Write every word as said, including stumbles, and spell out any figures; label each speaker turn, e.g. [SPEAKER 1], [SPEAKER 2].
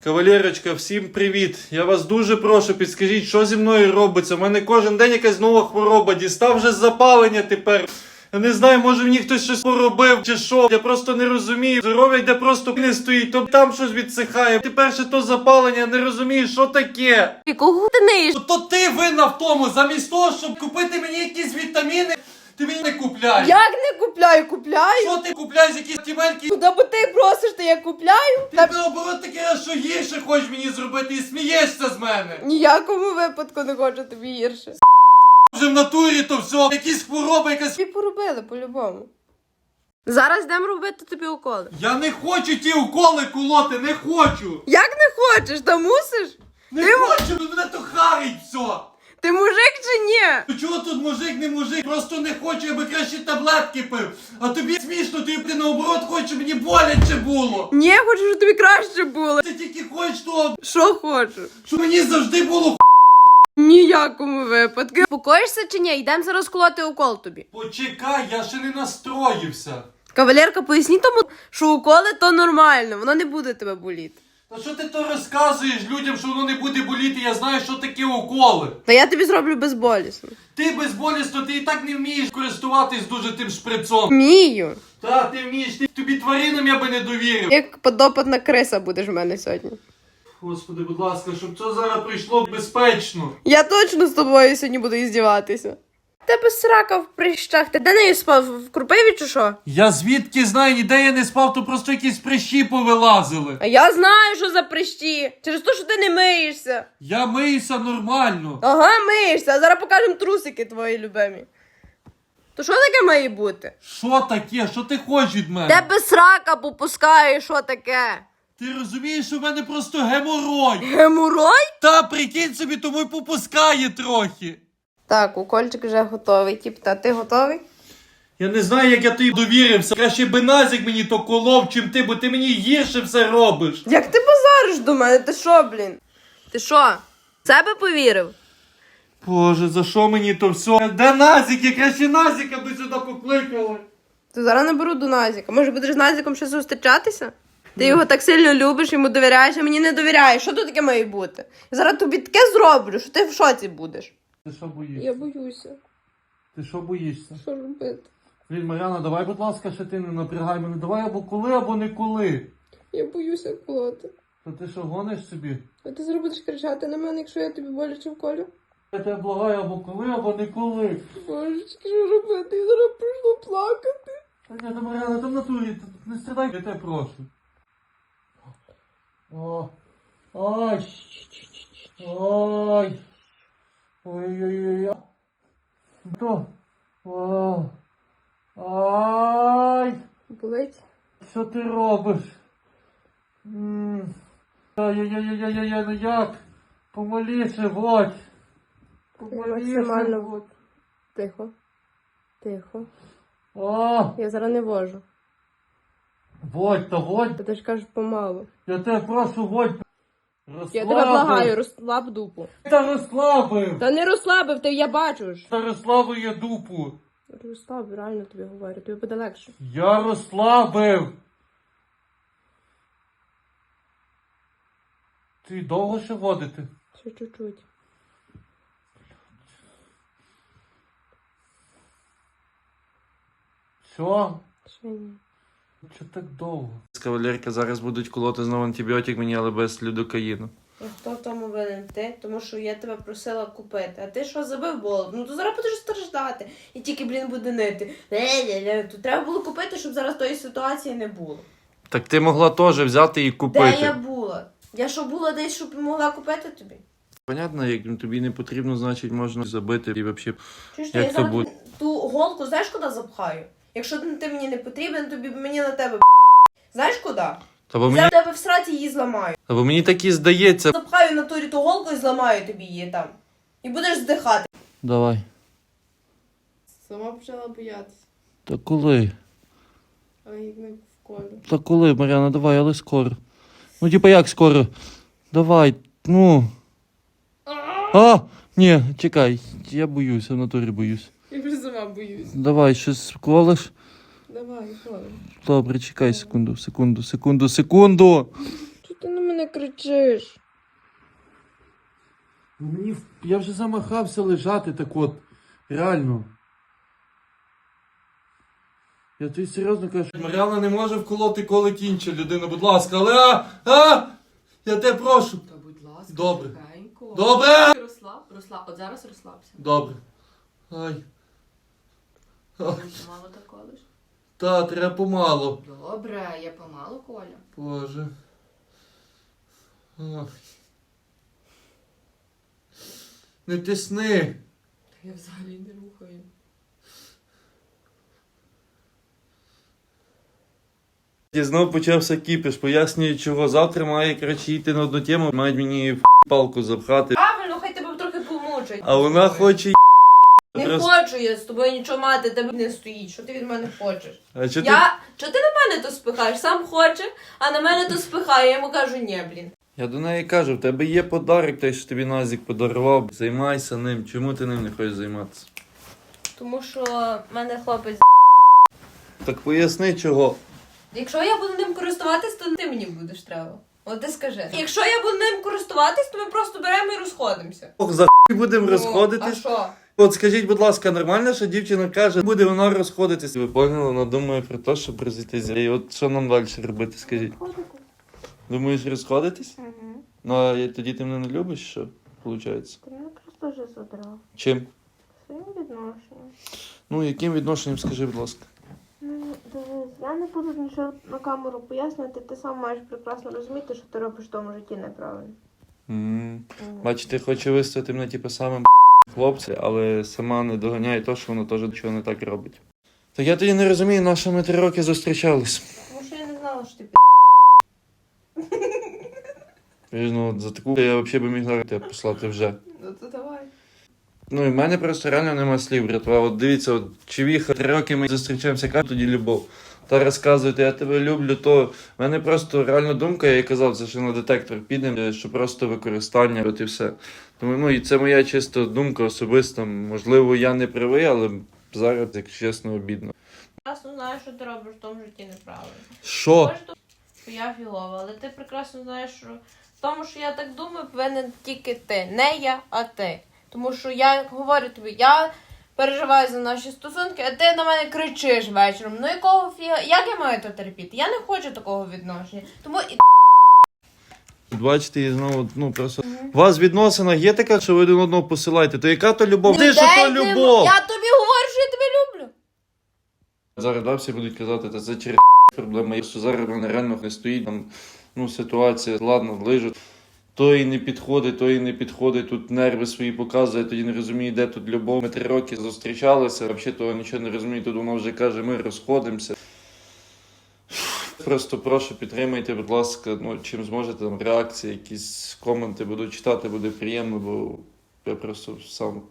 [SPEAKER 1] Кавалерочка, всім привіт! Я вас дуже прошу, підскажіть, що зі мною робиться? У мене кожен день якась нова хвороба, дістав вже запалення тепер. Я не знаю, може мені хтось щось поробив чи що, я просто не розумію. Здоров'я йде просто не стоїть, то там щось відсихає. Тепер ще то запалення, я не розумію, що таке.
[SPEAKER 2] І кого ти неїш?
[SPEAKER 1] То ти винна в тому, замість того, щоб купити мені якісь вітаміни, ти мені не купляєш.
[SPEAKER 2] Як не купляю? Купляю.
[SPEAKER 1] Що ти купляєш, якісь тімельки?
[SPEAKER 2] Куди бо ти просиш, то я купляю?
[SPEAKER 1] Ти
[SPEAKER 2] Та
[SPEAKER 1] наоборот таке, що гірше хочеш мені зробити і смієшся з мене.
[SPEAKER 2] ніякому випадку не хочу тобі гірше.
[SPEAKER 1] Вже в натурі то все, якісь хвороби, якась...
[SPEAKER 2] Тобі поробили по-любому. Зараз йдемо робити тобі уколи.
[SPEAKER 1] Я не хочу ті уколи колоти, не хочу.
[SPEAKER 2] Як не хочеш, та мусиш?
[SPEAKER 1] Не
[SPEAKER 2] Ти м-
[SPEAKER 1] хочу, бо мене то харить все.
[SPEAKER 2] Ти мужик чи ні?
[SPEAKER 1] Ну чого тут мужик, не мужик, просто не хочу, я би краще таблетки пив. А тобі смішно, ти, ти наоборот хочеш, щоб мені боляче було.
[SPEAKER 2] Ні, я хочу, щоб тобі краще було.
[SPEAKER 1] Ти тільки хочеш того,
[SPEAKER 2] Що хочу?
[SPEAKER 1] щоб мені завжди було.
[SPEAKER 2] Ніякому випадку. Покоїшся чи ні? Йдемо зараз колоти укол тобі.
[SPEAKER 1] Почекай, я ще не настроївся.
[SPEAKER 2] Кавалерка, поясні тому, що уколи то нормально, воно не буде тебе боліти.
[SPEAKER 1] Та що ти то розказуєш людям, що воно не буде боліти, я знаю, що таке уколи.
[SPEAKER 2] Та я тобі зроблю безболісно.
[SPEAKER 1] Ти безболісно, ти і так не вмієш користуватись дуже тим шприцом.
[SPEAKER 2] Вмію.
[SPEAKER 1] Та, ти вмієш, ти, тобі тваринам я би не довірив.
[SPEAKER 2] Як подопитна криса будеш в мене сьогодні.
[SPEAKER 1] Господи, будь ласка, щоб це зараз прийшло безпечно.
[SPEAKER 2] Я точно з тобою сьогодні буду іздіватися. Тебе срака в прищах. Ти де нею спав? В Крупиві чи що?
[SPEAKER 1] Я звідки знаю, ніде я не спав, то просто якісь прищі повилазили.
[SPEAKER 2] А я знаю, що за прищі. Через те, що ти не миєшся.
[SPEAKER 1] Я миюся нормально.
[SPEAKER 2] Ага, миєшся. А зараз покажемо трусики твої любимі. То що таке має бути?
[SPEAKER 1] Що таке? Що ти хочеш від мене?
[SPEAKER 2] Тебе срака попускає, що таке?
[SPEAKER 1] Ти розумієш, що в мене просто геморой.
[SPEAKER 2] Геморой?
[SPEAKER 1] Та, прикинь собі, тому й попускає трохи.
[SPEAKER 2] Так, укольчик вже готовий. Тіп, та ти готовий?
[SPEAKER 1] Я не знаю, як я тобі довірився. Краще би Назік мені то колов, чим ти, бо ти мені гірше все робиш.
[SPEAKER 2] Як ти базариш до мене? Ти що, блін? Ти що? В себе повірив?
[SPEAKER 1] Боже, за що мені то все? Де Назік? Я краще Назіка би сюди покликали.
[SPEAKER 2] Ти зараз наберу до Назіка. Може будеш з Назіком ще зустрічатися? Ти його так сильно любиш, йому довіряєш, а мені не довіряєш. Що тут таке має бути? Я зараз тобі таке зроблю, що ти в шоці будеш.
[SPEAKER 1] Ти що боїшся?
[SPEAKER 2] Я боюся.
[SPEAKER 1] Ти що боїшся?
[SPEAKER 2] Що робити?
[SPEAKER 1] Блін, Мар'яна, давай, будь ласка, ще ти не напрягай мене. Давай або коли, або не коли.
[SPEAKER 2] Я боюся колоти.
[SPEAKER 1] Та ти що, гониш собі?
[SPEAKER 2] А ти зараз будеш кричати на мене, якщо я тобі боляче вколю?
[SPEAKER 1] Я тебе благаю або коли, або не коли.
[SPEAKER 2] Божечки, що робити? Я зараз прийшла плакати.
[SPEAKER 1] Та ні, та Мар'яна, там в натурі, ти не страдай, я тебе прошу. О, ой, ой, ой-ой-ой, то, о, ай,
[SPEAKER 2] Болить?
[SPEAKER 1] що ти робиш? М, Ай-яй-яй-яй-яй, ну як? Помоліше, водь. Помоліше,
[SPEAKER 2] Максимально.
[SPEAKER 1] водь.
[SPEAKER 2] Тихо. Тихо.
[SPEAKER 1] О,
[SPEAKER 2] Я зараз не вожу.
[SPEAKER 1] водь, та водь.
[SPEAKER 2] Та ти ж кажеш помалу.
[SPEAKER 1] Я тебе прошу, водь. Розслабив.
[SPEAKER 2] Я тебе благаю, розслаб дупу.
[SPEAKER 1] Та розслабив.
[SPEAKER 2] Та не розслабив, ти я бачу ж.
[SPEAKER 1] Та розслабив я дупу.
[SPEAKER 2] Розслаб, реально тобі говорю, тобі буде легше.
[SPEAKER 1] Я розслабив. Ти довго ще водити?
[SPEAKER 2] Ще чуть-чуть.
[SPEAKER 1] Що?
[SPEAKER 2] Ще ні.
[SPEAKER 1] Що так довго? Кавалерка, зараз будуть колоти знову антибіотик мені, але без людокаїну.
[SPEAKER 2] А хто в тому винен? Ти? Тому що я тебе просила купити. А ти що, забив болот? Ну то зараз будеш страждати. І тільки, блін, буде нити. Ле-ле-ле. То треба було купити, щоб зараз тої ситуації не було.
[SPEAKER 1] Так ти могла теж взяти і купити.
[SPEAKER 2] Де я була? Я що була десь, щоб могла купити тобі?
[SPEAKER 1] Понятно, як тобі не потрібно, значить можна забити і взагалі.
[SPEAKER 2] Чуєш,
[SPEAKER 1] Як
[SPEAKER 2] я
[SPEAKER 1] це
[SPEAKER 2] зараз
[SPEAKER 1] буде?
[SPEAKER 2] ту голку, знаєш, куди запхаю? Якщо ти мені не потрібен, тобі мені на тебе знаєш куди?
[SPEAKER 1] Та бо мені,
[SPEAKER 2] Зараз тебе в сраці її зламаю.
[SPEAKER 1] та бо мені так і здається.
[SPEAKER 2] Запхаю на турі ту голку і зламаю тобі її там. І будеш здихати.
[SPEAKER 1] Давай.
[SPEAKER 2] Сама почала боятися.
[SPEAKER 1] Та коли?
[SPEAKER 2] А як не в колі.
[SPEAKER 1] Та коли, Мар'яна, давай, але скоро. Ну, типа як скоро? Давай, ну. А! Ні, чекай, я боюся, в натурі боюсь.
[SPEAKER 2] Я вже сама боюсь.
[SPEAKER 1] Давай, щось колиш?
[SPEAKER 2] Давай, колиш.
[SPEAKER 1] Добре, чекай секунду, секунду, секунду, секунду.
[SPEAKER 2] Чого ти на мене мене кричиш?
[SPEAKER 1] Мені я вже замахався лежати так от. Реально. Я тобі серйозно кажу. Мар'яна не може вколоти колик інша людина, будь ласка, але а! А! Я тебе прошу.
[SPEAKER 3] Та будь ласка,
[SPEAKER 1] Добре.
[SPEAKER 3] тихенько.
[SPEAKER 1] Добре!
[SPEAKER 3] Розслаб, розслаб. От зараз розслабся.
[SPEAKER 1] Добре. Ай. Ай.
[SPEAKER 3] Мало так колиш?
[SPEAKER 1] Та, треба помало.
[SPEAKER 3] Добре, я помалу, Коля.
[SPEAKER 1] Боже. Ай. Не тисни.
[SPEAKER 3] Та я взагалі не рухаю.
[SPEAKER 1] І знов почався кіпіш, пояснюю чого. Завтра має, коротше, йти на одну тему, мають мені в палку запхати.
[SPEAKER 2] Правильно, хай тебе трохи помучать.
[SPEAKER 1] А вона хоче
[SPEAKER 2] Не
[SPEAKER 1] Просто-
[SPEAKER 2] хочу я з тобою нічого мати, тебе не стоїть. Що ти від мене хочеш?
[SPEAKER 1] А чого ти...
[SPEAKER 2] Я... Чого ти на мене то спихаєш? Сам хоче, а на мене то спихає. Я йому кажу, ні, блін.
[SPEAKER 1] Я до неї кажу, в тебе є подарок, той, що тобі Назік подарував. Займайся ним. Чому ти ним не хочеш займатися?
[SPEAKER 2] Тому що в мене хлопець.
[SPEAKER 1] Так поясни чого.
[SPEAKER 2] Якщо я буду ним користуватись, то ти мені будеш треба. От ти скажи. Якщо я буду ним користуватись, то ми просто беремо і розходимося.
[SPEAKER 1] Ох, за хуй будемо
[SPEAKER 2] Ну,
[SPEAKER 1] розходитись.
[SPEAKER 2] А що?
[SPEAKER 1] От скажіть, будь ласка, нормально, що дівчина каже, буде вона розходитись. Ви поняли, вона думає про те, щоб розійтися. І от що нам далі робити, скажіть? Думаєш розходитись?
[SPEAKER 2] Угу.
[SPEAKER 1] Ну, а я- тоді ти мене не любиш, що виходить?
[SPEAKER 2] Ти мене просто вже задрав.
[SPEAKER 1] Чим?
[SPEAKER 2] Своїм відношенням.
[SPEAKER 1] Ну, яким відношенням, скажи, будь ласка.
[SPEAKER 2] Ну, дивись, я не буду нічого на камеру пояснювати, ти сам маєш прекрасно розуміти, що ти робиш в тому житті неправильно.
[SPEAKER 1] М. Бачите, хоче виставити мене типу самим хлопцем, але сама не доганяє те, що вона теж нічого не так робить. Так я тоді не розумію, на що ми три роки зустрічались.
[SPEAKER 2] Тому що я не знала, що ти
[SPEAKER 1] І, ну, от за таку я взагалі би міг зараз тебе послати вже.
[SPEAKER 2] Ну то давай.
[SPEAKER 1] Ну і в мене просто реально нема слів, братва. От дивіться, от чувіха, три роки ми зустрічаємося, яка тоді любов. Та розказуєте, я тебе люблю, то в мене просто реальна думка, я їй казав, це що на детектор підемо, що просто використання, от і все. Тому ну, і це моя чисто думка особиста. Можливо, я не правий, але зараз, як чесно, обідно.
[SPEAKER 2] Прекрасно знаю, що ти робиш в тому житті неправильно.
[SPEAKER 1] Що?
[SPEAKER 2] Може, то, що я фігова, але ти прекрасно знаєш, що в тому, що я так думаю, повинен тільки ти. Не я, а ти. Тому що я говорю тобі, я переживаю за наші стосунки, а ти на мене кричиш вечором. Ну якого фіга? Як я маю то терпіти? Я не хочу такого відношення. Тому і
[SPEAKER 1] Бачите, і знову, ну просто. У вас в відносинах є така, що ви один одного посилаєте, то яка то любов? Ти що то
[SPEAKER 2] Людей нема.
[SPEAKER 1] любов?
[SPEAKER 2] Я тобі говорю, що я тебе люблю.
[SPEAKER 1] Зараз да, всі будуть казати, та це через проблема. Що зараз в мене реально не стоїть там, ну, ситуація, ладно, лижуть. То і не підходить, то і не підходить, тут нерви свої показує, тоді не розуміє, де тут любов. Ми три роки зустрічалися, взагалі того нічого не розуміє, тут вона вже каже, ми розходимося. Просто прошу, підтримайте, будь ласка, ну, чим зможете, там реакції, якісь коменти буду читати, буде приємно, бо я просто сам